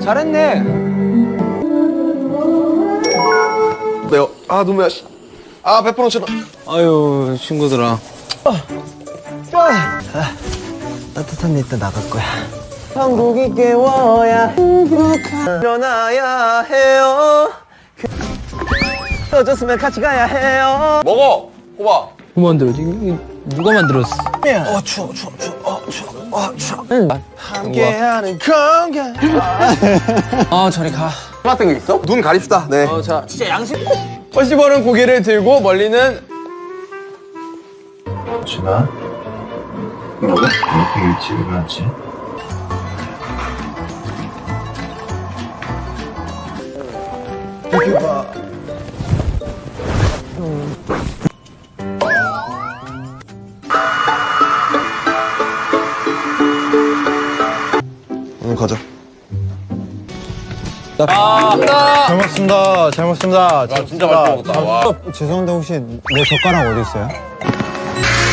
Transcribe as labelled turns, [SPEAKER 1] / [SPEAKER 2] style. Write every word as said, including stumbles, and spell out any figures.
[SPEAKER 1] 잘했네.
[SPEAKER 2] 매워. 아 너무 매워. 아 페퍼론치노.
[SPEAKER 1] 아유 친구들아.
[SPEAKER 3] 따뜻한 데 있다 나갈 거야.
[SPEAKER 1] 한국이 깨워야 일어나야 해요. 어졌으면 같이 가야 해요.
[SPEAKER 2] 먹어. 호박.
[SPEAKER 1] 누가 만들었지? 이거 누가 만들었어?
[SPEAKER 2] 어 추워 추워 추워. 어 추워. 어 추워.
[SPEAKER 1] 응.
[SPEAKER 2] 함께하는 건강.
[SPEAKER 1] 아 저리 가.
[SPEAKER 2] 같은 거 있어? 눈 가립시다. 네.
[SPEAKER 1] 어, 자 진짜 양심. 허시벌은 고개를 들고 멀리는
[SPEAKER 4] 준아, 너가 이렇게 일찍 일어났지?
[SPEAKER 2] 이렇게 봐. 응 가자.
[SPEAKER 3] 잘 먹습니다. 잘 먹습니다.
[SPEAKER 2] 아 진짜 맛있게 먹었다. 와.
[SPEAKER 3] 죄송한데 혹시 내 젓가락 어디 있어요?